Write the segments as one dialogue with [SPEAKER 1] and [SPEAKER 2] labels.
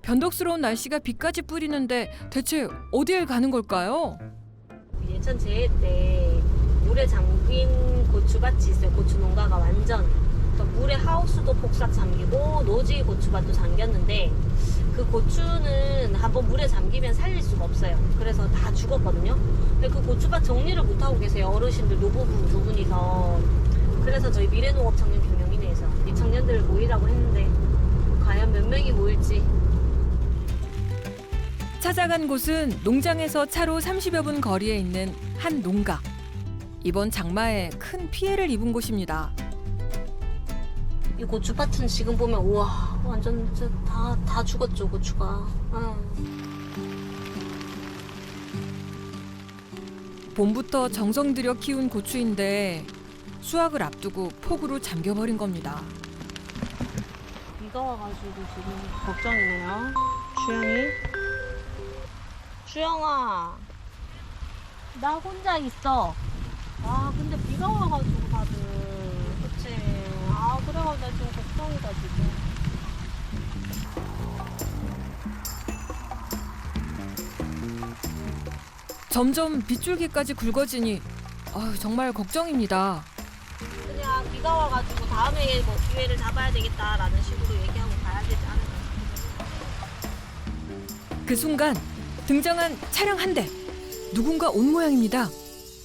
[SPEAKER 1] 변덕스러운 날씨가 비까지 뿌리는데 대체 어딜 가는 걸까요?
[SPEAKER 2] 예천 재해 때 물에 잠긴 고추밭이 있어요. 고추 농가가 완전. 그러니까 물에 하우스도 폭삭 잠기고 노지 고추밭도 잠겼는데 그 고추는 한번 물에 잠기면 살릴 수가 없어요. 그래서 다 죽었거든요. 근데 그 고추밭 정리를 못 하고 계세요. 어르신들 노부부 두 분이서. 그래서 저희 미래농업 청년 경영인회에서 이 청년들 모이라고 했는데 과연 몇 명이 모일지.
[SPEAKER 1] 찾아간 곳은 농장에서 차로 30여 분 거리에 있는 한 농가. 이번 장마에 큰 피해를 입은 곳입니다.
[SPEAKER 2] 이 고추밭은 지금 보면 우와 완전 다 죽었죠 고추가.
[SPEAKER 1] 봄부터 정성 들여 키운 고추인데 수확을 앞두고 폭우로 잠겨버린 겁니다.
[SPEAKER 2] 비가 와가지고 지금 걱정이네요. 주영아 나 혼자 있어. 아 근데 비가 와가지고 다들 그치. 아 그래가지고 나 지금 걱정이다 지금.
[SPEAKER 1] 점점 빗줄기까지 굵어지니 정말 걱정입니다.
[SPEAKER 2] 그냥 비가 와가지고 다음에 뭐 기회를 잡아야 되겠다라는 식으로 얘기하고 가야 되지 않을까 싶어요.
[SPEAKER 1] 그 순간 등장한 차량 한 대. 누군가 온 모양입니다.
[SPEAKER 2] 와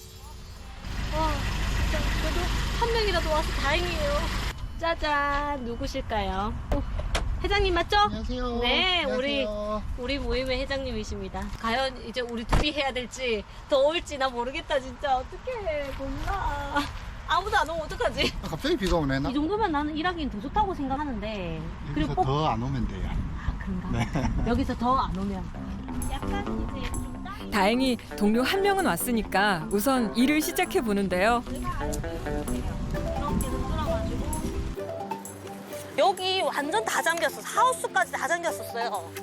[SPEAKER 2] 진짜 그래도 한 명이라도 와서 다행이에요. 짜잔 누구실까요? 회장님 맞죠?
[SPEAKER 3] 안녕하세요.
[SPEAKER 2] 네,
[SPEAKER 3] 안녕하세요.
[SPEAKER 2] 우리 모임의 회장님이십니다. 과연 이제 우리 둘이 해야 될지 더울지 나 모르겠다 진짜. 어떡해 몰라. 아무도 안 오면 어떡하지?
[SPEAKER 3] 갑자기 비가 오네.
[SPEAKER 2] 이 정도면 나는 일하기는 더 좋다고 생각하는데.
[SPEAKER 3] 여기서
[SPEAKER 2] 꼭
[SPEAKER 3] 더 안 오면 돼요.
[SPEAKER 2] 아 그런가? 여기서 더 안 오면 약간 이제 좀
[SPEAKER 1] 다행히 동료 한 명은 왔으니까 우선 일을 시작해 보는데요.
[SPEAKER 2] 여기 완전 다 잠겼어. 하우스까지 다 잠겼었어요.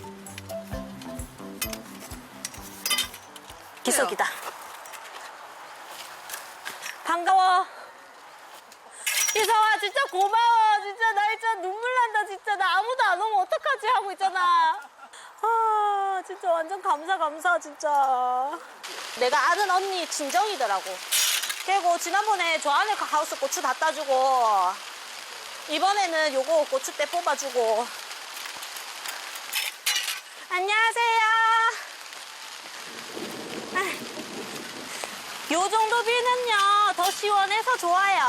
[SPEAKER 2] 기석이다. 반가워. 기석아 진짜 고마워. 진짜 나 진짜 눈물 난다. 진짜 나 아무도 안 오면 어떡하지 하고 있잖아. 아 진짜 완전 감사 진짜. 내가 아는 언니 친정이더라고. 그리고 지난번에 저 안에 하우스 고추 다 따주고 이번에는 요거 고추대 뽑아주고. 안녕하세요. 요 정도 비는요 더 시원해서 좋아요.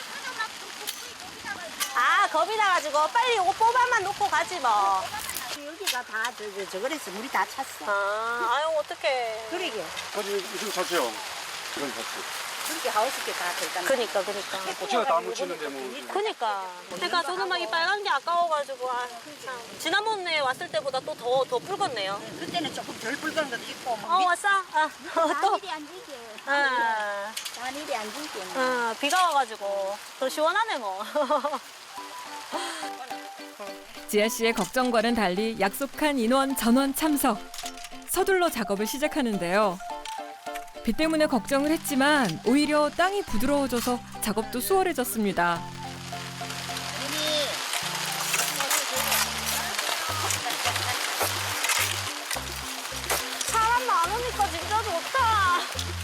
[SPEAKER 2] 아 겁이 나가지고 빨리 요거 뽑아만 놓고 가지 뭐.
[SPEAKER 4] 여기가 다 저거래서 물이 다 찼어.
[SPEAKER 2] 아유 어떡해.
[SPEAKER 4] 그러게.
[SPEAKER 5] 사실 이거 자체요. 이건 자체.
[SPEAKER 4] 그렇게 하우스께 다 들어가.
[SPEAKER 2] 그니까.
[SPEAKER 5] 고추가 다 묻히는데 뭐.
[SPEAKER 2] 그니까. 그러니까 저는 막 이 빨간 게 아까워가지고 참. 지난번에 왔을 때보다 또 더 붉었네요.
[SPEAKER 4] 그때는 조금 덜 붉은 것도 있고.
[SPEAKER 2] 왔어? 또.
[SPEAKER 4] 일이 안 지게.
[SPEAKER 2] 아.
[SPEAKER 4] 일이 안 지게.
[SPEAKER 2] 비가 와가지고 더 시원하네 뭐.
[SPEAKER 1] 지아 씨의 걱정과는 달리 약속한 인원 전원 참석. 서둘러 작업을 시작하는데요. 비 때문에 걱정을 했지만 오히려 땅이 부드러워져서 작업도 수월해졌습니다.
[SPEAKER 2] 사람 많으니까 진짜 좋다.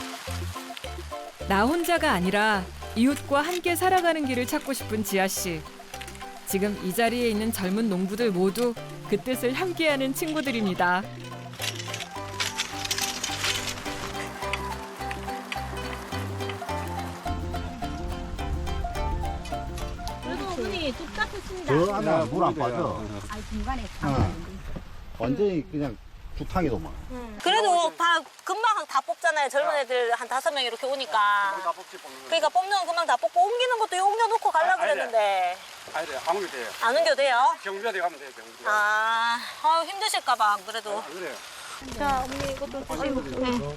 [SPEAKER 1] 나 혼자가 아니라 이웃과 함께 살아가는 길을 찾고 싶은 지아 씨. 지금 이 자리에 있는 젊은 농부들 모두 그 뜻을 함께하는 친구들입니다.
[SPEAKER 2] 그래도 어머니 뚝 닦았습니다.
[SPEAKER 3] 저 안에 물 안 빠져.
[SPEAKER 4] 아 중간에
[SPEAKER 3] 완전히 그냥 죽탕이도만.
[SPEAKER 2] 그래도 금방 다 뽑잖아요. 젊은 애들 한 5명 이렇게 오니까.
[SPEAKER 5] 다 뽑지 뽑는 거.
[SPEAKER 2] 그러니까 뽑는 건 금방 다 뽑고 옮기는 것도 옮겨놓고 가려고 그랬는데
[SPEAKER 5] 아니, 아무 게 돼요.
[SPEAKER 2] 안 옮겨돼요?
[SPEAKER 5] 경비대 가면 돼요, 경비대.
[SPEAKER 2] 힘드실까봐 안 그래도.
[SPEAKER 5] 안 그래요.
[SPEAKER 2] 자, 어머니 이것 좀 드시고. 네.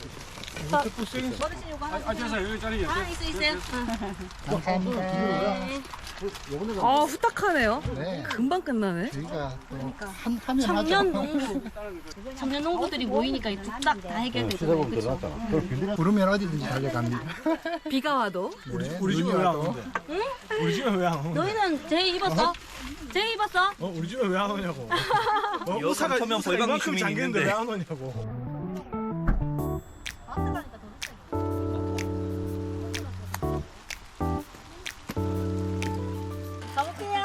[SPEAKER 2] 어르신 이거 하나
[SPEAKER 5] 아, 저서 여기 자리에.
[SPEAKER 2] 있어요.
[SPEAKER 3] 감사합니다.
[SPEAKER 2] 네.
[SPEAKER 3] 요번에가
[SPEAKER 1] 아, 후딱하네요.
[SPEAKER 3] 네.
[SPEAKER 1] 금방 끝나네.
[SPEAKER 3] 저희가 한 하면
[SPEAKER 2] 청년
[SPEAKER 3] 하죠.
[SPEAKER 2] 농부. 청년 농부들이 모이니까 뚝딱 다 해결되잖아요.
[SPEAKER 3] 시대보면
[SPEAKER 2] 그쵸?
[SPEAKER 3] 들어갔잖아. 그걸 빌리는 부르면 어디든지 달려갑니다.
[SPEAKER 1] 비가 와도.
[SPEAKER 6] 우리 집에 왜 안 오는데? 우리 집에 왜 안 오는데?
[SPEAKER 2] 너희는 제이 입었어? 제이 입었어?
[SPEAKER 6] 우리 집에 왜 안 오냐고.
[SPEAKER 7] 여 삼천명 벌방
[SPEAKER 6] 이만큼
[SPEAKER 7] 주민이
[SPEAKER 6] 잠겼는데
[SPEAKER 7] 있는데.
[SPEAKER 6] 왜 안 오냐고.
[SPEAKER 2] 가볼게요.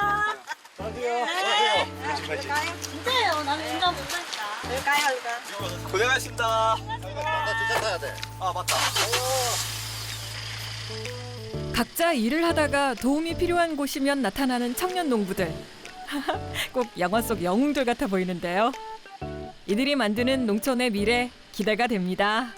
[SPEAKER 2] 진짜예요. 나는 진짜 못하겠다.
[SPEAKER 7] 고생하셨습니다.
[SPEAKER 3] 진짜 타야 돼.
[SPEAKER 7] 아 맞다.
[SPEAKER 1] 각자 일을 하다가 도움이 필요한 곳이면 나타나는 청년 농부들. 꼭 영화 속 영웅들 같아 보이는데요. 이들이 만드는 농촌의 미래 기대가 됩니다.